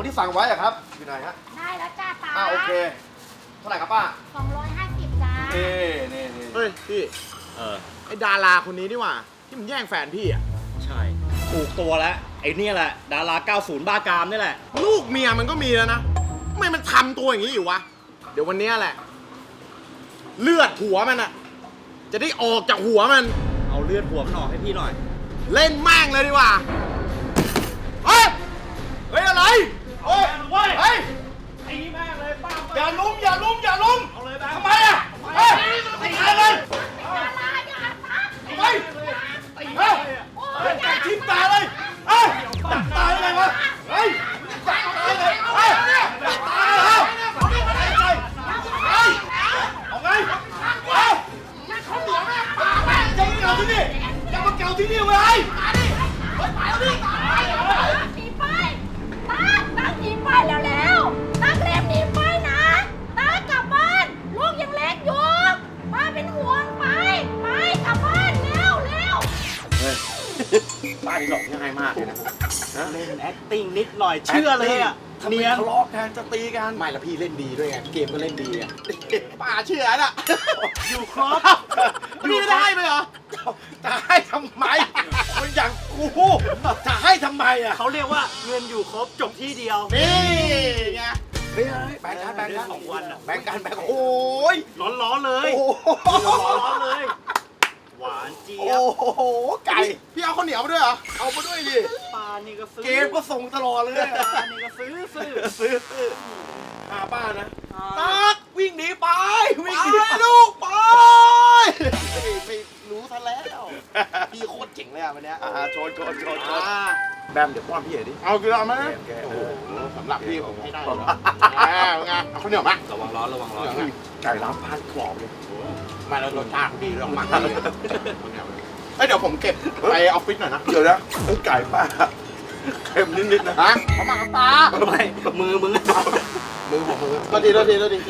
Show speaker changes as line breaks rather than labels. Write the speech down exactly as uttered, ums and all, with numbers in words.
ที่สั่งไว้อะครับอยู่ไหนฮะ
ได้แล้วจ้าตา
อ่าโอเคเท่าไหร่ครับป้า
สองร้อยห้าสิบจ้า
นี่นี่นี่
เฮ้ยพี่เออไอ้ดาราคนนี้นี่หว่าที่มันแย่งแฟนพี่อ่ะ
ใช่ถูกตัวแล้วไอ้นี่แหละดาราเก้าสิบบ้ากามนี่แหละ
ลูกเมียมันก็มีแล้วนะทำไมมันทำตัวอย่างนี้อยู่วะเดี๋ยววันนี้แหละเลือดหัวมันอ่ะจะได้ออกจากหัวมัน
เอาเลือดหัวมันออกให้พี่หน่อย
เล่นแม่งเลยดีกว่าเฮ้ยเฮ้ยอะไรเฮ้ยเฮ้ย
ไอ้นี่แม่งเลยป้า
อย่าลุ้มอย่าลุ้มอย่าลุ้ม
เอาเลยแบงค์
ทำไมอ่ะเฮ้ยตีเลย
ดาราอย่าทัก
เฮ้ยเฮ้ยเฮ้ยจับทิ่มตาเลยเฮ้ยจับตาเลยวะเฮ้ยจับตาเลยเฮ้ยจับตาเลยเฮ้ยเฮ้ยเอาไงเฮ้ยอย่าเขาเหนียวแม่ปากแม่จะมาเก่าที่นี่จะมาเก่าที่นี่เว้ยมาดิเฮ้ยไปแล้วดิไปแล้ว
หนีไปตักตักหนีไปแล้วแล้วตักเร็วหนีไปนะตักกลับบ้านลูกยังเล็กอยู่ป้าเป็นห่วงไปไปกลับบ้านเร็วเร็ว
ป้านี่หลอกง่ายมากเลยนะ
เล่น acting นิดหน่อยเชื่อเลยอ่ะ
ทำไมทะเลาะกันจะตีกัน
ไม่ละพี่เล่นดีด้วยไงเกมก็เล่นดีอ่ะป้าเชื่อน่ะ
อยู่ครบ
พี่ไม่ได้ไหมเหรอ
จะให้ทำไมมันอย่างกูจะให้ทำไมอ่ะ
เขาเรียกว่าเงินอยู่ครบจบที่เดียว
นี่ไง
เฮ้ยแบ่งกันแบ่งกัน
สองวันอ่ะ
แบ่งกันแบ่งโอ้ย
ร้อนๆเลย
โอ้
ร้อนๆเลย หวานเจี๊ยบ
โหไก่
พี่เอาข้าวเหนียวมาด้วยเหรอ
เอามาด้วยดิ
ปลานี่ก็ซื้อ
เกมก็ส่งตลอดเลย
ปลานี่ก็ซื้อซื้อ
ซื้อซื้อหาป้านะ
ตั
ตักวิ่งหนีไปวิ่งหนี
ไปลูกไป
ไม่รู้ซะแล้วพี่โคตรเจ๋งเลยอ่ะวันเนี้ยอ่าโชนโชนโชนโชน
อ่า
แบมเดี๋ยวป้อนพี่หน่อยดิ
เอากี่รอบไหม
โอเค
โอ้
โอ้
โห
โห
สำหรับพี่ผมให้ได้เลยไงเอาข้าวเหนียวไหม
ระวังร้อนระวังร้อน
ไก่ล้างพันกรอบเลย
มาแล้วรสชาติดีต้องมาดีเอ้ยเดี๋ยวผมเก็บไปออฟฟิศหน่อยนะ
เดี๋ยวนะเอ้ยไก่ป้าเค็มนิดๆนะ
ฮะเขามากับตา
ไม่มือมึง
มือผมมือก็ดีก็ดีก็ดี